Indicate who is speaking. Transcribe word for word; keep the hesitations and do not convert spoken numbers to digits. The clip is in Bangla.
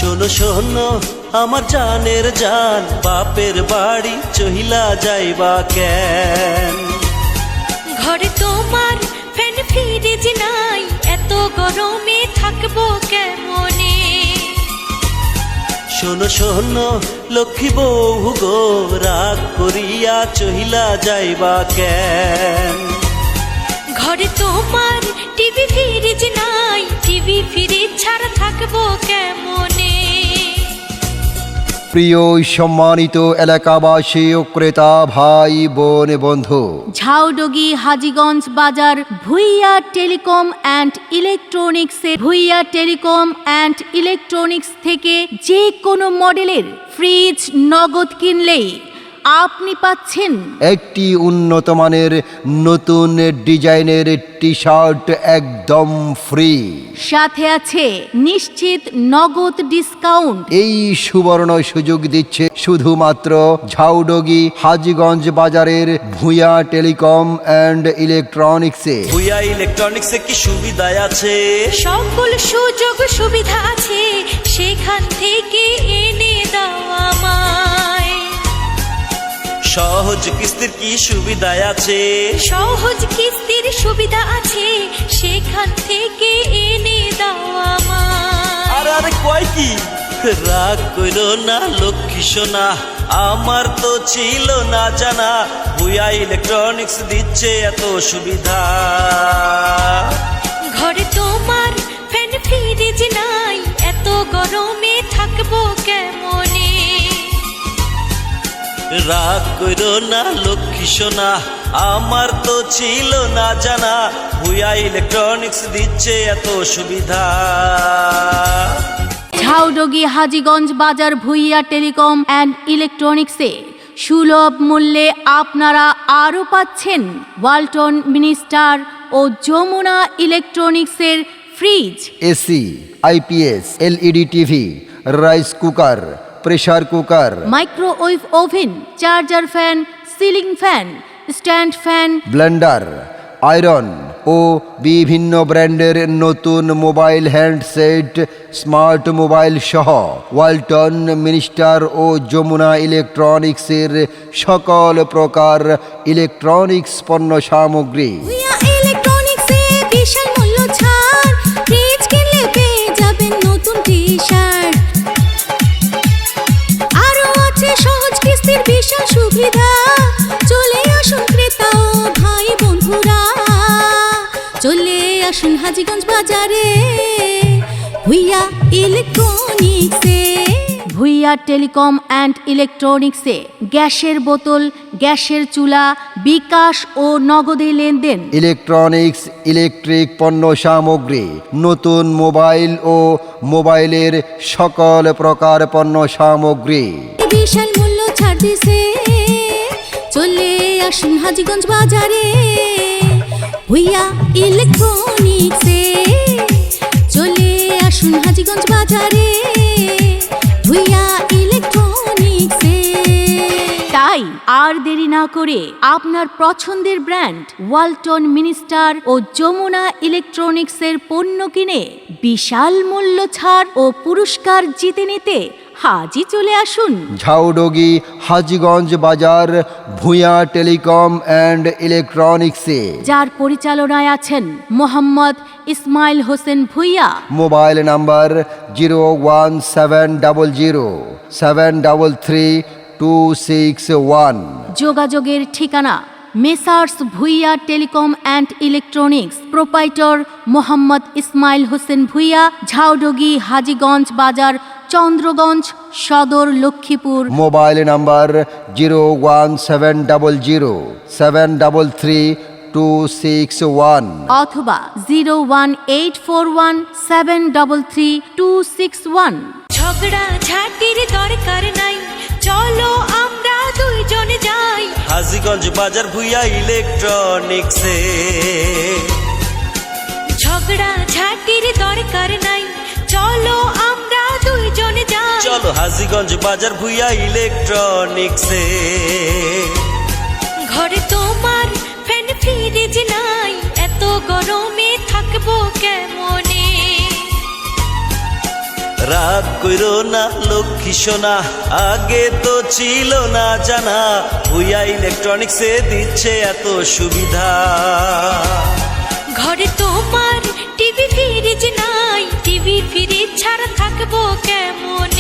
Speaker 1: শোনো শোনো আমার জানের জান, বাপের বাড়ি চহিলা যাইবা কেন?
Speaker 2: ঘরে তোমার ফ্যান ফ্রিজ নাই, এত গরমে থাকবো কেমনে?
Speaker 1: শোনো শোনো লক্ষ্মী বউ গো, রাগ করিয়া চহিলা যাইবা কেন?
Speaker 2: ঘরে তোমার টিভি ফ্রিজ নাই, টিভি ফ্রিজ ছাড়া থাকবো কেমনে?
Speaker 3: প্রিয় সম্মানিত এলাকাবাসী ও ক্রেতা ভাই বোন বন্ধু,
Speaker 4: ঝাউডগি হাজীগঞ্জ বাজার ভুইয়া টেলিকম অ্যান্ড ইলেকট্রনিক্সে ভুইয়া টেলিকম অ্যান্ড ইলেকট্রনিক্স থেকে যে কোনো মডেলের ফ্রিজ নগদ কিনলেই আপনি পাচ্ছেন
Speaker 3: একটি উন্নত মানের নতুন ডিজাইনের টি শার্ট একদম ফ্রি,
Speaker 4: সাথে আছে নিশ্চিত নগদ ডিসকাউন্ট।
Speaker 3: এই সুবর্ণ সুযোগ দিচ্ছে শুধুমাত্র ঝাউডগি হাজীগঞ্জ বাজারের ভুইয়া টেলিকম অ্যান্ড ইলেকট্রনিক্সে।
Speaker 1: ভুইয়া ইলেকট্রনিক্সে কি সুবিধা আছে?
Speaker 2: সকল সুযোগ সুবিধা আছে, সেখান থেকে এনে দাও আমায়।
Speaker 1: সহজ কিস্তির কি সুবিধা আছে?
Speaker 2: সহজ কিস্তির সুবিধা আছে, সেখান থেকে এনে দাও আমায়।
Speaker 1: আর আরে কয় কি? রাগ কইরো না লক্ষ্মী সোনা, আমার তো ছিল না জানা, ভুইয়া ইলেকট্রনিক্স দিচ্ছে এত সুবিধা।
Speaker 2: ঘরে তোমার ফ্যান ফ্রিজ নাই, এত গরমে থাকবো কেমনে?
Speaker 1: রাগ কইরো না লক্ষ্মী সোনা, আমার তো ছিল না জানা, ভুইয়া ইলেকট্রনিক্স দিচ্ছে এত সুবিধা।
Speaker 4: ঝাউডগি হাজীগঞ্জ বাজার ভুইয়া টেলিকম অ্যান্ড ইলেকট্রনিক্সে সুলভ মূল্যে আপনারা আরও পাচ্ছেন ওয়ালটন মিনিস্টার ও যমুনা ইলেকট্রনিক্সের fridge,
Speaker 3: AC, IPS, LED TV, rice cooker, pressure cooker,
Speaker 4: microwave oven, charger fan, ceiling fan, stand fan,
Speaker 3: blender, iron ও বিভিন্ন ব্র্যান্ডের নতুন মোবাইল হ্যান্ডসেট, স্মার্ট মোবাইল সহ ওয়ালটন মিনিস্টার ও যমুনা ইলেকট্রনিক্সের সকল প্রকার ইলেকট্রনিক্স পণ্য সামগ্রী।
Speaker 5: ভুইয়া ইলেকট্রনিক্সে বিশাল মূল্য ছাড়, ফ্রিজ কিনলে পেয়ে যাবেন নতুন টি শার্ট। আরো আছে সহজ কিস্তির বিশাল সুবিধা, চলে আসুন ক্রেতা ও ভাই বন্ধুরা, চলে আসুন হাজীগঞ্জ বাজারে ভুইয়া ইলেকট্রনিক্সে।
Speaker 4: ভুইয়া টেলিকম অ্যান্ড ইলেকট্রনিক্সে গ্যাসের বোতল, গ্যাসের চুলা, বিকাশ ও নগদে লেনদেন,
Speaker 3: ইলেকট্রনিক্স, ইলেকট্রিক পণ্য সামগ্রী, নতুন মোবাইল ও মোবাইলের সকল প্রকার পণ্য সামগ্রী।
Speaker 5: বিশাল মূল্য ছাড় দিছে, চলে আসুন হাজীগঞ্জ বাজারে ভুইয়া ইলেকট্রনিক্সে, চলে আসুন হাজীগঞ্জ বাজারে ভুইয়া ইলেকট্রনিক্সে।
Speaker 4: তাই আর দেরি না করে আপনার পছন্দের ব্র্যান্ড ওয়ালটন মিনিস্টার ও যমুনা ইলেকট্রনিক্সের পণ্য কিনে বিশাল মূল্য ছাড় ও পুরস্কার জিতে নিতে হাজি চলে আসুন
Speaker 3: ঝাউডগি হাজীগঞ্জ বাজার ভুইয়া টেলিকম অ্যান্ড ইলেকট্রনিক্সে,
Speaker 4: যার পরিচালনায় আছেন Mohammad Ismail Hossain Bhuiyan.
Speaker 3: Mobile number zero one seven double zero seven double three two six one.
Speaker 4: যোগাযোগের ঠিকানা messrs Bhuiyan telecom and electronics, proprietor Mohammad Ismail Hossain Bhuiyan, Jhaudogi Hajiganj বাজার, Chandraganj Sadar, Laxmipur.
Speaker 3: Mobile number zero one seven double zero seven double three two six one
Speaker 4: অথবা zero one eight four one seven double three two six one.
Speaker 2: ঝগড়া ঝাঁটির দরকার নাই, চলো আমরা দুইজনে যাই
Speaker 1: হাজীগঞ্জ বাজার ভুইয়া ইলেকট্রনিক্সে।
Speaker 2: ঝগড়া ঝাঁটির দরকার নাই, চলো আমরা দুইজনে যাই।
Speaker 1: চলো হাজীগঞ্জ বাজার ভুইয়া ইলেকট্রনিক্সে।
Speaker 2: ঘরে তোমার ফ্যান ফ্রিজ নাই, এত গরমে থাকবো কেমনে?
Speaker 1: রাগ কইরো না লক্ষ্মী সোনা, আগে তো ছিল না জানা, ভুইয়া ইলেকট্রনিক্সে দিচ্ছে এত সুবিধা।
Speaker 2: ঘরে তোমার টিভি ফ্রিজ নাই, টিভি ফ্রিজ ছাড়া থাকবো কেমন?